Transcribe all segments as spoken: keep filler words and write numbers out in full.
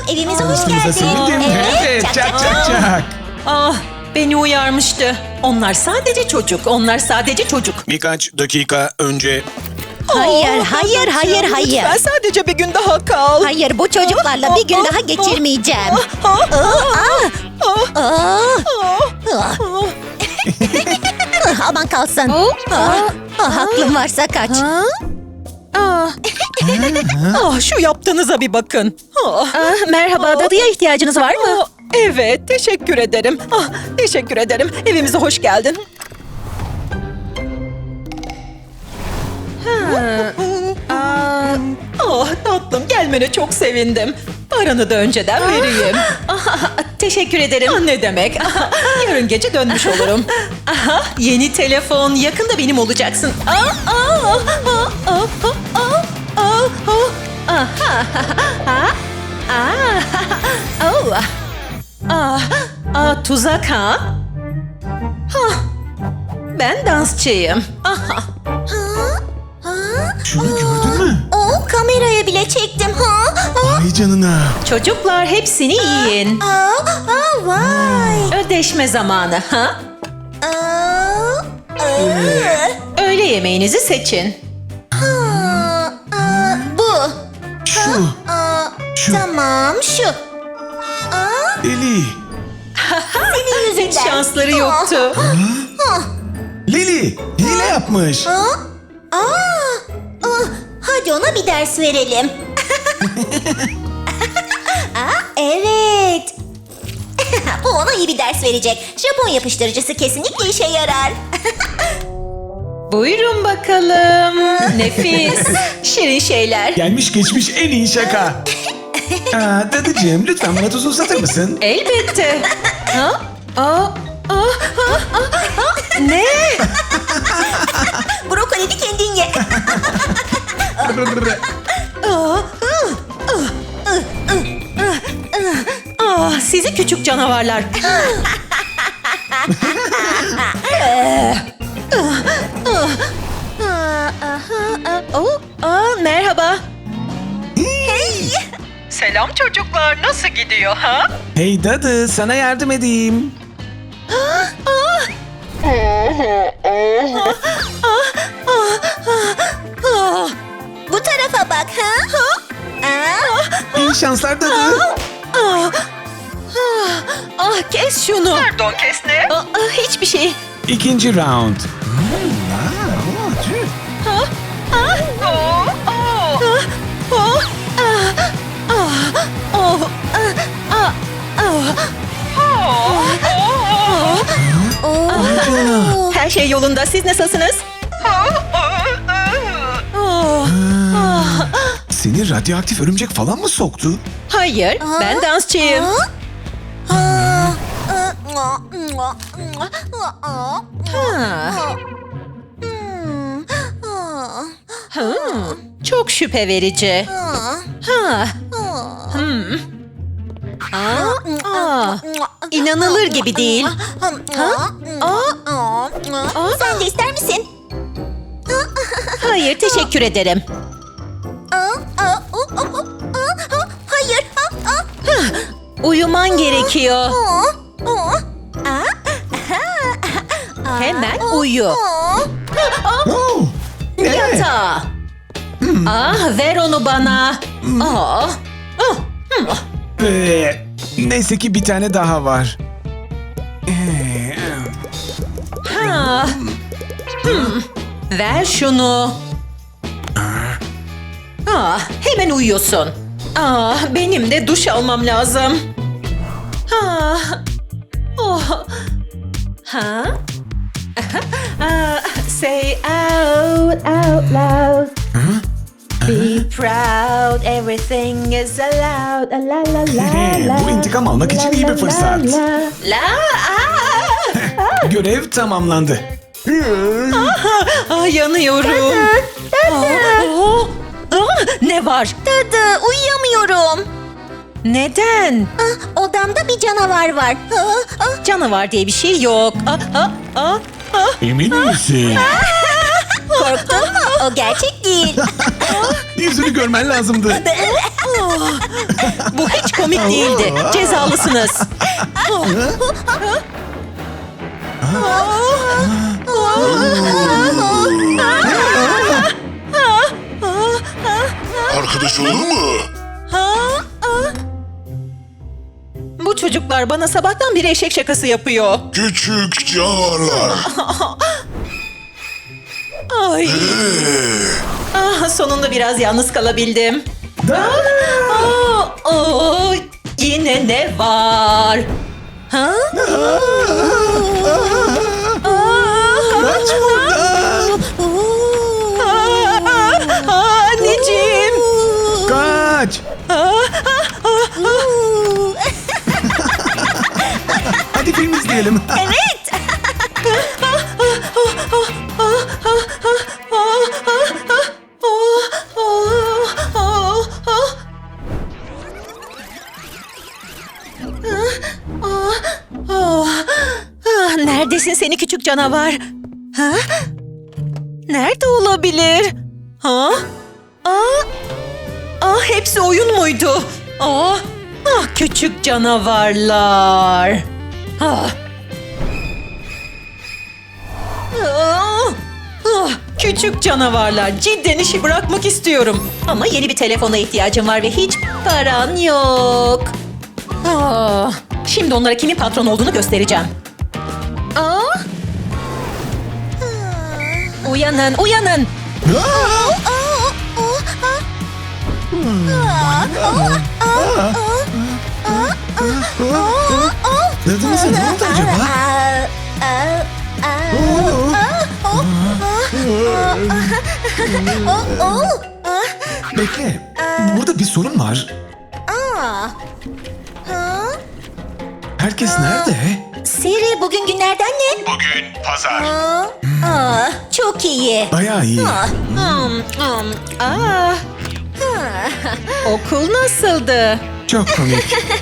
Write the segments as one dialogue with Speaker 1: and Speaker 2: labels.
Speaker 1: Evimize hoş
Speaker 2: Tanıştığınıza
Speaker 1: geldin.
Speaker 2: sevindim. Evet, çak çak çak.
Speaker 3: Ah, beni uyarmıştı. Onlar sadece çocuk, onlar sadece çocuk.
Speaker 2: Birkaç dakika önce
Speaker 1: Hayır, hayır, hayır, hayır.
Speaker 3: Lütfen sadece bir gün daha kal.
Speaker 1: Hayır, bu çocuklarla bir gün daha geçirmeyeceğim.
Speaker 3: Ah,
Speaker 1: Aa, aa. Aman kalsın. Ah, ah, aklım varsa kaç.
Speaker 3: ah. Ah, şu yaptığınıza bir bakın. Ah. merhaba, dadıya ihtiyacınız var mı? Evet, teşekkür ederim. Ah, teşekkür ederim. Evimize hoş geldin. Ah tatlım, gelmene çok sevindim. Paranı da önceden vereyim. Ah, teşekkür ederim. Ah, ne demek? Ah, yarın gece dönmüş olurum. Aha, yeni telefon. Yakında benim olacaksın. Ah, ah, ah, ah, ah, ah, ah, ah. Aha, ah, ah, oh. Ah, ah, tuzak ha? Hah, ben dansçıyım. Aha.
Speaker 2: şunu gördün mü?
Speaker 1: O kameraya bile çektim. Ha?
Speaker 2: Ay canına.
Speaker 3: Çocuklar hepsini yiyin.
Speaker 1: Aa, aa, vay.
Speaker 3: Ödeşme zamanı ha?
Speaker 1: Aa, aa,
Speaker 3: Öğle yemeğinizi seçin.
Speaker 1: aa, aa, bu.
Speaker 2: Şu.
Speaker 1: Aa,
Speaker 2: Şu.
Speaker 1: tamam şu. Aa,
Speaker 2: Lili.
Speaker 1: senin yüzünden.
Speaker 3: Hiç şansları yoktu.
Speaker 2: Lili. Hile yapmış.
Speaker 1: Aa, aa, aa, hadi ona bir ders verelim. Aa, evet. Bu ona iyi bir ders verecek. Japon yapıştırıcısı kesinlikle işe yarar.
Speaker 3: Buyurun bakalım. Nefis. Şirin şeyler.
Speaker 2: Gelmiş geçmiş en iyi şaka. Aa, dadıcığım lütfen bana tuz uzatır mısın?
Speaker 3: Elbette. Ha? Aa, aa, aa, aa, aa. Ne?
Speaker 1: Brokolini kendin ye.
Speaker 3: Aa, Ah, sizi küçük canavarlar. Oh, aa, merhaba. Selam çocuklar, nasıl gidiyor ha?
Speaker 2: Hey dadı, sana yardım edeyim.
Speaker 3: Ah,
Speaker 1: Bu tarafa bak ha. Aa,
Speaker 2: İyi şanslar dadı.
Speaker 3: ah, ah, ah, kes şunu. Pardon, kes ne? Ah, ah, hiçbir şey.
Speaker 2: İkinci round. Hmm, aa, oo, tüh.
Speaker 3: Ah, ah, oh, oh, ah, oh, ah, ah, oh, ah, ah, ah, oh.
Speaker 2: Ay canına.
Speaker 3: Her şey yolunda. Siz nasılsınız? Oh, ah.
Speaker 2: Seni radyoaktif örümcek falan mı soktu?
Speaker 3: Hayır, ben dansçıyım.
Speaker 1: aa,
Speaker 3: Ha.
Speaker 1: Hmm, aa,
Speaker 3: Hmm, çok şüphe verici.
Speaker 1: aa,
Speaker 3: Ha.
Speaker 1: aa.
Speaker 3: Hmm. Aa, aa. İnanılır gibi değil.
Speaker 1: Ha? Aa, sen de ister misin?
Speaker 3: Hayır, teşekkür ederim.
Speaker 1: Aa, aa, o, o, o, aa, aa, hayır. Aa, aa,
Speaker 3: Uyuman gerekiyor.
Speaker 1: aa, aa, aa, aa,
Speaker 3: Hemen uyu.
Speaker 1: aa.
Speaker 2: Oo, ne?
Speaker 3: Yatağa. Ah, ver onu bana. Ah. Ah. Hmm.
Speaker 2: Ee, neyse ki bir tane daha var. Ee,
Speaker 3: Ha. Hmm. Ver şunu. Ah, hemen uyuyorsun. Ah, benim de duş almam lazım. Ah. Oh. Ha? Ah, say out, out loud. Be proud, everything is allowed. La la la la.
Speaker 2: Bu intikam almak için iyi bir fırsat.
Speaker 3: La, la, ah.
Speaker 2: Görev tamamlandı.
Speaker 3: Ah, yanıyorum. Ah, ah, ah, ne var?
Speaker 1: Dadı, uyuyamıyorum.
Speaker 3: Neden?
Speaker 1: Ah, odamda bir canavar var. Ah, ah,
Speaker 3: Canavar diye bir şey yok. Ah, ah, ah, ah.
Speaker 2: Emin misin?
Speaker 1: korktun mu? O gerçek değil.
Speaker 2: Yüzünü görmen lazımdı.
Speaker 3: Ah. Bu hiç komik değildi. Cezalısınız.
Speaker 4: Arkadaş olur mu?
Speaker 3: Bu çocuklar bana sabahtan beri eşek şakası yapıyor.
Speaker 4: Küçük canavarlar.
Speaker 3: Ay. Ah, sonunda biraz yalnız kalabildim. Aa, aa, yine ne var? Ha?
Speaker 2: Kaç buradan.
Speaker 3: Aa, anneciğim.
Speaker 2: Kaç. Hadi film izleyelim.
Speaker 1: Evet.
Speaker 3: Neredesin seni küçük canavar? Ha? Nerede olabilir? Ha? Aa, aa, hepsi oyun muydu? Aa, ah, küçük canavarlar. Ah. Ah, ah, küçük canavarlar. Cidden işi bırakmak istiyorum. Ama yeni bir telefona ihtiyacım var ve hiç paran yok. Ah, şimdi onlara kimin patron olduğunu göstereceğim. Aa. Uyanın, uyanın.
Speaker 2: Dadınıza ne oldu acaba? Bekle. Burada bir sorun var. Herkes nerede?
Speaker 1: Siri, bugün günlerden ne?
Speaker 4: Bugün pazar.
Speaker 1: Aa, aa, çok iyi.
Speaker 2: Bayağı iyi.
Speaker 1: Aa,
Speaker 3: Hmm, hmm, aa. Okul nasıldı?
Speaker 2: Çok komik.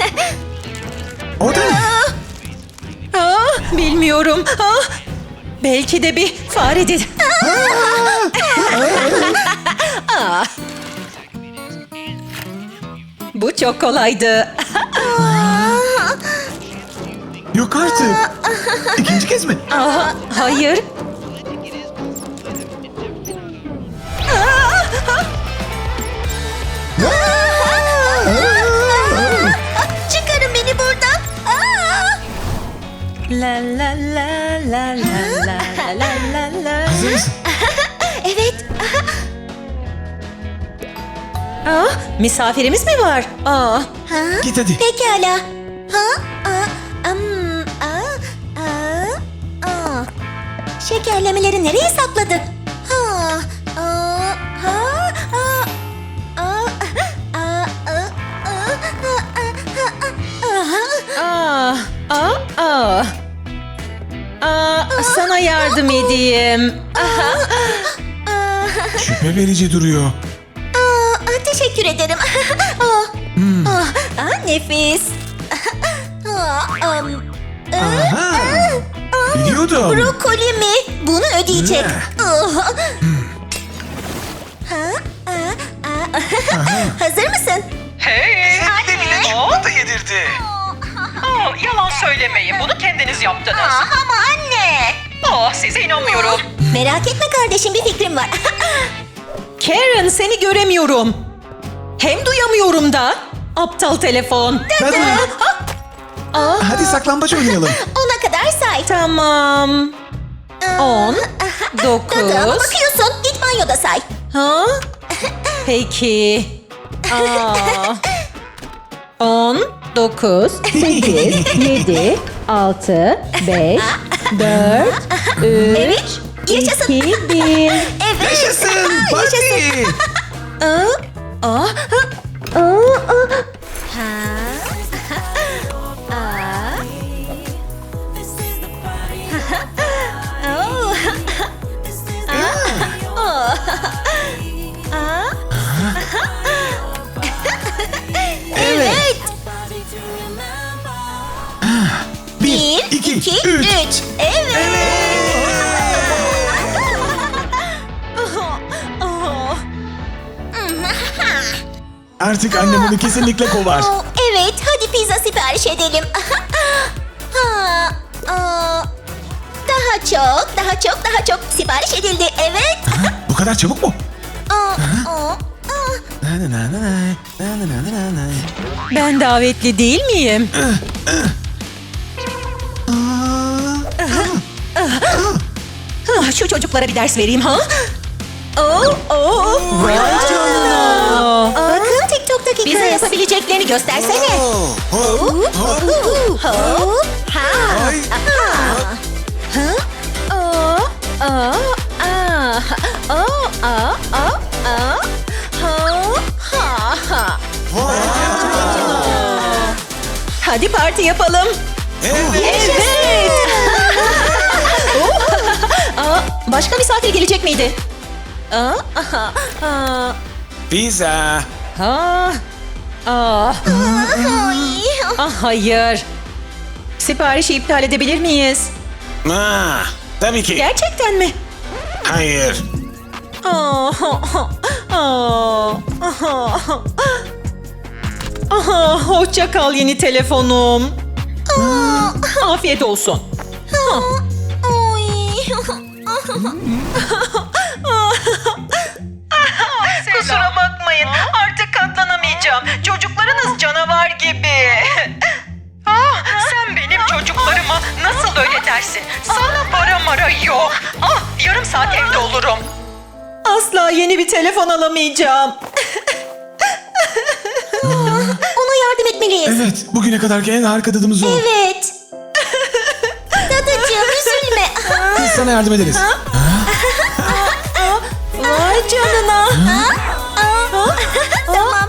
Speaker 2: O da ne?
Speaker 3: Aa, bilmiyorum. Aa, belki de bir faredir. Aa. Bu çok kolaydı.
Speaker 2: Yok artık. İkinci kez mi?
Speaker 3: Aa, hayır.
Speaker 1: Çıkarın beni buradan. Aa!
Speaker 3: La la la la la la la la la.
Speaker 2: Hazır mısın?
Speaker 1: Evet.
Speaker 3: Aa, misafirimiz mi var? Aa,
Speaker 1: Ha?
Speaker 2: Git hadi.
Speaker 1: Pekala. Ha? Aa, am, aa, aa, aa. Şekerlemeleri nereye sakladı? Ha? Aa, ha? Aa, aa, aa, aa, aa, aa,
Speaker 3: aa, aa, aa. Aa, sana yardım edeyim. Aha.
Speaker 1: aa.
Speaker 2: Şüphe verici duruyor.
Speaker 1: Aa, teşekkür ederim. Aa,
Speaker 2: Hmm.
Speaker 1: aa, aa, nefis. Aa, am, aa,
Speaker 2: Aha. Biliyordum.
Speaker 1: brokoli mi? Bunu ödeyecek.
Speaker 2: Ne?
Speaker 1: Aa. Ha? Aa, aa. Hazır mısın?
Speaker 3: Hey!
Speaker 2: Çikolata yedirdi.
Speaker 3: Aa, yalan söylemeyin. Bunu kendiniz yaptınız.
Speaker 1: Aa, ama anne.
Speaker 3: Aa, size inanmıyorum.
Speaker 1: Merak etme kardeşim, bir fikrim var.
Speaker 3: Karen, seni göremiyorum. Hem duyamıyorum da. Aptal telefon.
Speaker 2: Hadi.
Speaker 3: Aa,
Speaker 2: Hadi saklambaç oynayalım.
Speaker 1: Ona kadar say.
Speaker 3: tamam. On, dokuz.
Speaker 1: Dadı, ama bakıyorsun. Git banyoda say.
Speaker 3: Ha? Peki. Aa. On, dokuz, sekiz, yedi, altı, beş, dört, üç,
Speaker 1: Evet. Yaşasın.
Speaker 3: iki, bir.
Speaker 1: Evet.
Speaker 2: Yaşasın. Parti.
Speaker 3: Aa, aa,
Speaker 1: Ha? Aa. Oo. Aa. Aa. Evet. Bir,
Speaker 2: iki,
Speaker 1: iki,
Speaker 2: üç.
Speaker 1: üç. Evet.
Speaker 2: Artık annem onu kesinlikle kovar.
Speaker 1: Aa, evet, hadi pizza sipariş edelim. Ha, aa, daha çok, daha çok, daha çok sipariş edildi. Evet.
Speaker 2: Bu kadar çabuk mu?
Speaker 1: Aa, aa, aa.
Speaker 3: Ben davetli değil miyim? Ah, Şu çocuklara bir ders vereyim ha? Oh, oh, vay canına.
Speaker 1: Bakın TikTok'taki
Speaker 3: Bize
Speaker 1: kız.
Speaker 3: yapabileceklerini göstersene.
Speaker 1: Hop, hop, ha.
Speaker 2: Ay.
Speaker 3: Aa, aa, aa, aa, aa, aa, aa. Ha, ha, ha. Hadi parti yapalım. Evet. Aa, başka misafir gelecek miydi? Aa, aha, aa,
Speaker 2: Pizza.
Speaker 3: ha, aa.
Speaker 1: Ay.
Speaker 3: Ah, hayır. Siparişi iptal edebilir miyiz?
Speaker 2: Ah, tabii ki.
Speaker 3: Gerçekten mi?
Speaker 2: Hayır.
Speaker 3: Aa, aa, aha. Aha, hoşça kal yeni telefonum. Afiyet olsun.
Speaker 1: Ay.
Speaker 3: Kusura bakmayın. Artık katlanamayacağım. Çocuklarınız canavar gibi. Ah, sen benim çocuklarıma nasıl öyle dersin? Sana para mara yok. Ah, yarım saat evde olurum. Asla yeni bir telefon alamayacağım.
Speaker 1: Ona yardım etmeliyiz.
Speaker 2: Evet, bugüne kadarki en harika tadımız o.
Speaker 1: Evet. Dadıcığım üzülme.
Speaker 2: Biz sana yardım ederiz.
Speaker 3: Vay canına.
Speaker 1: Tamam.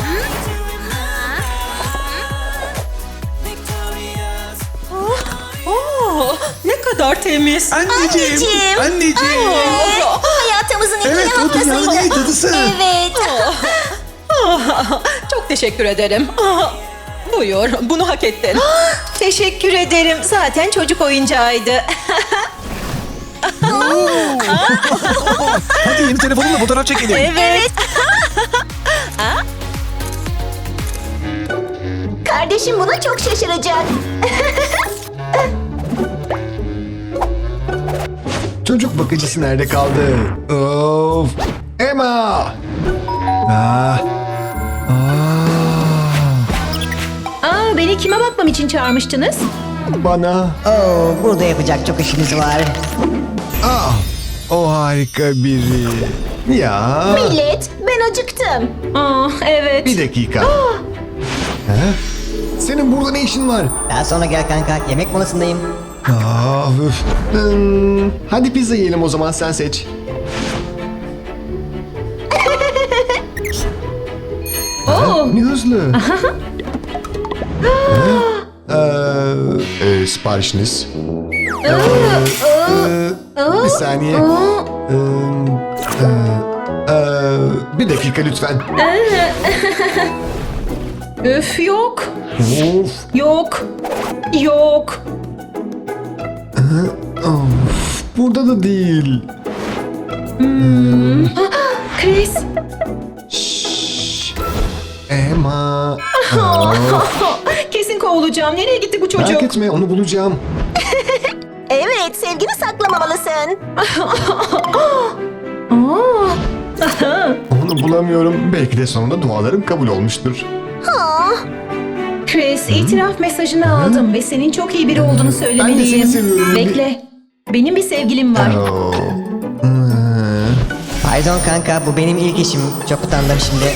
Speaker 3: Oh, ne kadar temiz.
Speaker 2: Anneciğim.
Speaker 1: Anneciğim.
Speaker 2: Anneciğim.
Speaker 1: Evet, hayatımızın ilk
Speaker 2: Evet, o dünyanın en iyi
Speaker 1: haftasıydı.
Speaker 2: dadısı.
Speaker 1: Evet.
Speaker 3: Ah, çok teşekkür ederim. Ah, buyur, bunu hak ettin. Teşekkür ederim. Zaten çocuk oyuncağıydı.
Speaker 2: Hadi yeni telefonumla fotoğraf çekelim.
Speaker 3: Evet.
Speaker 1: Kardeşim buna çok şaşıracak.
Speaker 5: Çocuk bakıcısı nerede kaldı? Of! Emma! Ah! Ah!
Speaker 3: Aa, beni kime bakmam için çağırmıştınız?
Speaker 5: Bana!
Speaker 6: Oo, burada yapacak çok işimiz var.
Speaker 5: Ah! O harika biri. Ya!
Speaker 1: Millet, ben acıktım.
Speaker 3: Aa, evet.
Speaker 5: Bir dakika. Ha? Senin burada ne işin var?
Speaker 6: Daha sonra gel kanka, yemek molasındayım.
Speaker 5: Ah, üf. Hmm, hadi pizza yiyelim o zaman, sen seç.
Speaker 3: Oo.
Speaker 5: Ne hızlı. Ha? Ee, e, siparişiniz. Ee, e, bir saniye. Ee, e, e, bir dakika lütfen.
Speaker 3: Üf, yok.
Speaker 5: Of,
Speaker 3: Yok. Yok.
Speaker 5: of, burada da değil.
Speaker 3: Chris.
Speaker 5: Şşş. Emma.
Speaker 3: Kesin kovulacağım. Nereye gitti bu çocuk?
Speaker 5: Merak etme, onu bulacağım.
Speaker 1: Evet, sevgini saklamamalısın.
Speaker 5: Onu bulamıyorum. Belki de sonunda dualarım kabul olmuştur.
Speaker 3: Chris, itiraf mesajını aldım ve senin çok iyi biri olduğunu söylemeliyim.
Speaker 5: Ben de seni seviyorum.
Speaker 3: Bekle. Benim bir sevgilim var.
Speaker 5: Oo.
Speaker 6: Pardon kanka, bu benim ilk işim. Çok utandım şimdi.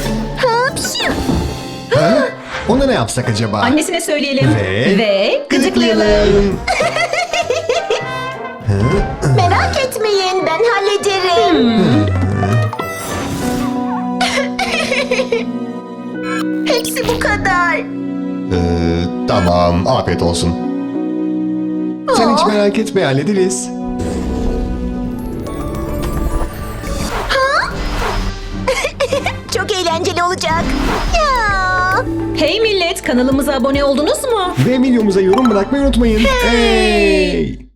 Speaker 5: Ha? Ona ne yapsak acaba?
Speaker 3: Annesine söyleyelim.
Speaker 5: Ve-
Speaker 3: Ve gıdıklayalım.
Speaker 1: Merak etmeyin, ben hallederim. Hepsi bu kadar.
Speaker 5: Ee, tamam, afiyet olsun. Sen hiç merak etme, hallederiz.
Speaker 1: Çok eğlenceli olacak. Ya.
Speaker 3: Hey millet, kanalımıza abone oldunuz mu?
Speaker 5: Ve videomuza yorum bırakmayı unutmayın. Hey!